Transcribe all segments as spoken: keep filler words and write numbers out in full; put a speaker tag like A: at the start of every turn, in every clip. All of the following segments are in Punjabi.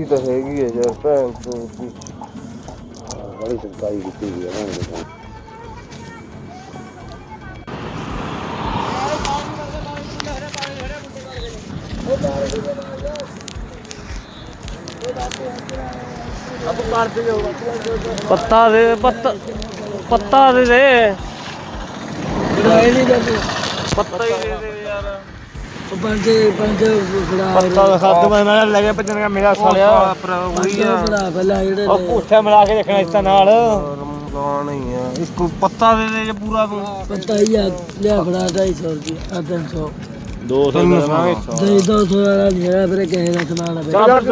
A: ਤਾਂ ਹੈਗੀ ਹੈ ਯਾਰ ਭੈਣ ਤੋਂ ਬੜੀ ਸਰਕਾਰੀ ਕੀਤੀ ਗਈ ਹੈ
B: पत्ता दे पत्ता पत्ता दे दे पत्ता ही दे दे यार
C: पंज पंज
B: पत्ता खद मैं लगे भजन का मेरा सालिया पर वही है और पुੱਠੇ मिला के देखना इसका नाल
A: रमजान ही है
B: इसको पत्ता दे दे ये पूरा तू
C: पत्ता ही लिया बड़ा ढाई सौ रुपया तीन सौ
B: दो सौ
C: दही दो सौ वाला नहीं है फिर कहे ना समान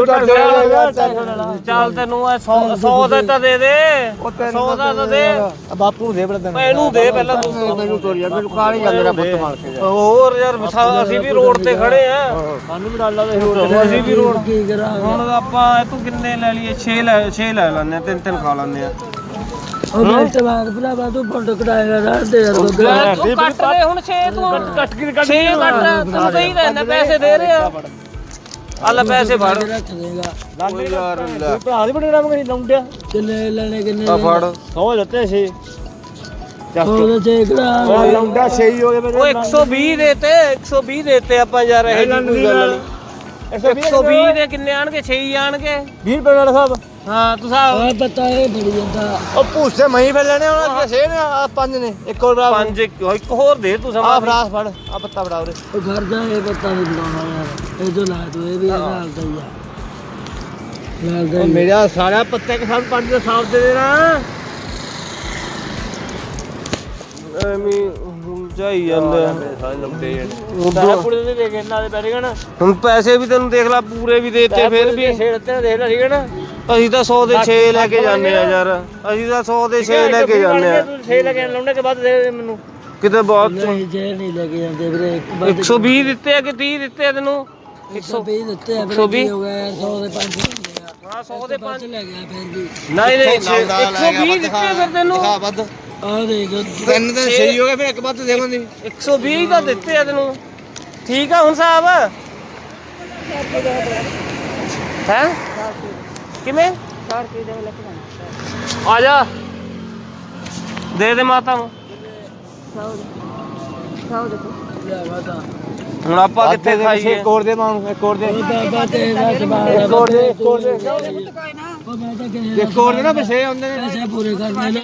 B: ਚੱਲ ਤੈਨੂੰ सौ ਦਾ ਤਾਂ ਦੇ ਦੇ सौ ਦਾ ਤਾਂ ਦੇ
C: ਬਾਪੂ ਨੂੰ ਦੇ ਬੜਾ
B: ਮੈਨੂੰ ਦੇ ਪਹਿਲਾਂ ਤੂੰ
A: ਮੈਨੂੰ ਤੋਰੀਆ ਮੈਨੂੰ ਕਾਲੀ ਗੱਲ ਮੇਰਾ ਪੁੱਤ ਮਾਰ ਕੇ
B: ਹੋਰ ਯਾਰ ਅਸੀਂ ਵੀ ਰੋਡ ਤੇ ਖੜੇ ਆ ਸਾਨੂੰ ਵੀ ਡਾਲਾ ਦੇ ਅਸੀਂ ਵੀ ਰੋਡ
C: ਕੀ ਕਰਾਂ
B: ਹੁਣ ਆਪਾਂ ਤੂੰ ਕਿੰਨੇ ਲੈ ਲਈਏ ਛੇ ਲੈ ਛੇ ਲੈ ਲੈਣੇ ਤਿੰਨ ਤਿੰਨ ਖਾ ਲੈਣੇ ਆ
C: ਉਹ ਮੈਂ ਟਮਾਟਰ ਭਰਾਵਾ ਤੂੰ ਫੋਟੋ ਕਢਾਏਗਾ ਰਾਤ ਦੇ ਯਾਰ
B: ਤੂੰ ਕੱਟ ਦੇ ਹੁਣ ਛੇ ਤੂੰ ਕੱਟ ਕੇ ਕੱਟ ਛੇ ਕੱਟ ਤੈਨੂੰ ਕਹੀ ਲੈਣਾ ਪੈਸੇ ਦੇ ਰਹੇ ਆ ਆ ਲੈ ਪੈਸੇ ਫੜ
C: ਰੱਖ ਦੇਗਾ
A: ਓ ਯਾਰ ਲੈ
B: ਭਰਾ ਦੀ ਬੜਾ ਨਾਮ ਕਰੀ ਲਾਉਂਦਿਆ
C: ਕਿੰਨੇ ਲੈਣੇ ਕਿੰਨੇ
A: ਆ ਫੜ
B: ਸੌ ਲੱਤੇ ਛੇ
C: ਉਹਦੇ ਚ ਕਿਹੜਾ
A: ਲੌਂਡਾ ਛੇ ਹੀ ਹੋ ਗਏ ਮੇਰੇ
B: ਉਹ ਇੱਕ ਸੌ ਵੀਹ ਦੇਤੇ ਇੱਕ ਸੌ ਵੀਹ ਦੇਤੇ ਆਪਾਂ ਯਾਰ ਇਹ ਕੋਈ ਗੱਲ ਨਹੀਂ ਇੱਕ ਸੌ ਵੀਹ ਦੇ ਕਿੰਨੇ ਆਣਗੇ ਛੇ ਹੀ ਆਣਗੇ
A: ਵੀਹ ਰੁਪਏ ਵਾਲਾ ਸਾਹਿਬ
B: ਹਾਂ ਤੂੰ ਸਾਹਿਬ
C: ਉਹ ਪਤਾ ਇਹ ਬੜੀ ਜਾਂਦਾ
A: ਉਹ ਭੂਸੇ ਮਹੀਂ ਫਿਰ ਲੈਣੇ ਹੁਣ ਅੱਗੇ ਛੇ ਨੇ ਆ ਪੰਜ ਨੇ ਇੱਕ ਹੋਰ ਆ
B: ਪੰਜ ਇੱਕ ਇੱਕ ਹੋਰ ਦੇ ਤੂੰ
A: ਆ
B: ਸਮਾਂ
A: ਫਰਾਸ ਫੜ ਆ ਪੱਤਾ ਫੜਾ ਉਰੇ
C: ਉਹ ਘਰ ਜਾ ਇਹ ਪਤਾ ਨਹੀਂ ਬਣਾਉਣਾ ਯਾਰ ਇਹ ਜੋ ਲਾ ਤੂੰ ਇਹ ਵੀ ਹਾਲ ਦਾ ਹੀ ਆ ਲਾਲ ਦਾ
B: ਉਹ ਮੇਰਾ ਸਾਰਾ ਪੱਤੇ ਕੇ ਸਾਥ ਪੰਜ ਦਾ ਸਾਫ ਦੇ ਦੇਣਾ ਐਵੇਂ ਜਾਈ ਜਾਂਦਾ
A: ਸਾਰੇ ਲੰਬੇ
B: ਸਾਰਾ ਪੁੜੇ ਦੇ ਦੇ ਕੇ ਇਹਨਾਂ ਦੇ ਬੈਠੇ ਨਾ ਹੁਣ ਪੈਸੇ ਵੀ ਤੈਨੂੰ ਦੇਖ ਲੈ ਪੂਰੇ ਵੀ ਦੇਤੇ ਫਿਰ ਵੀ ਛੇੜਤੇ ਦੇਖ ਲੈ ਠੀਕ ਹੈ ਨਾ ਅਸੀਂ ਤਾਂ ਸੌ ਦੇ ਛੇ ਲੈ ਕੇ ਜਾਂਦੇ ਆ ਯਾਰ ਅਸੀਂ ਤਾਂ ਸੌ ਦੇ ਛੇ ਲੈ ਕੇ ਜਾਂਦੇ ਆ ਛੇ ਲੈ ਕੇ ਲਾਉਣੇ ਕੇ ਬਾਅਦ ਦੇ ਦੇ ਮੈਨੂੰ ਕਿਤੇ ਬਹੁਤ
C: ਨਹੀਂ ਜੇ ਨਹੀਂ ਲੈ ਕੇ ਜਾਂਦੇ ਵੀਰੇ ਇੱਕ ਵਾਰ
B: ਇੱਕ ਸੌ ਵੀਹ ਦਿੱਤੇ ਆ ਕਿ ਤੀਹ ਦਿੱਤੇ ਆ ਤੈਨੂੰ
C: ਇੱਕ ਸੌ ਵੀਹ ਦਿੱਤੇ ਆ
B: ਇੱਕ ਸੌ ਵੀਹ
C: ਹੋ ਗਿਆ ਯਾਰ ਸੌ ਦੇ ਪੰਜ
B: ਹਾਂ ਸੌ ਦੇ ਪੰਜ
C: ਲੈ ਗਿਆ ਫਿਰ ਵੀ
B: ਨਹੀਂ ਨਹੀਂ ਇੱਕ ਸੌ ਵੀਹ ਦਿੱਤੇ ਫਿਰ ਤੈਨੂੰ
A: ਦਿਖਾ ਵੱਧ
C: ਆ ਦੇ ਜੋ
A: ਤਿੰਨ ਦਿਨ ਸਹੀ ਹੋ ਗਏ ਫਿਰ ਇੱਕ ਵੱਧ ਦੇਵਾਂਗੇ
B: ਇੱਕ ਸੌ ਵੀਹ ਤਾਂ ਦਿੱਤੇ ਆ ਤੈਨੂੰ ਠੀਕ ਆ ਹੁਣ ਸਾਹਿਬ ਹੈ ਕਿਵੇਂ ਆ ਜਾ ਦੇ ਦੇ ਮਾਤਾ ਨੂੰ
C: ਲਿਆ ਵਾਦਾ
B: ਹੁਣ ਆਪਾਂ ਕਿੱਥੇ ਖਾਈਏ
A: ਇੱਕ ਹੋਰ ਦੇ ਮਾਨੂੰ ਇੱਕ ਹੋਰ ਦੇ
C: ਬਾਬਾ ਤੇਰਾ ਜਵਾਬ
A: ਇੱਕ ਹੋਰ ਦੇ ਇੱਕ ਹੋਰ ਦੇ
C: ਉਹ ਮੈਂ ਤਾਂ ਕਹੇ
A: ਇੱਕ ਹੋਰ ਦੇ ਨਾ ਪਿਛੇ ਹੁੰਦੇ ਨੇ
C: ਪੈਸੇ ਪੂਰੇ ਕਰਨੇ ਨੇ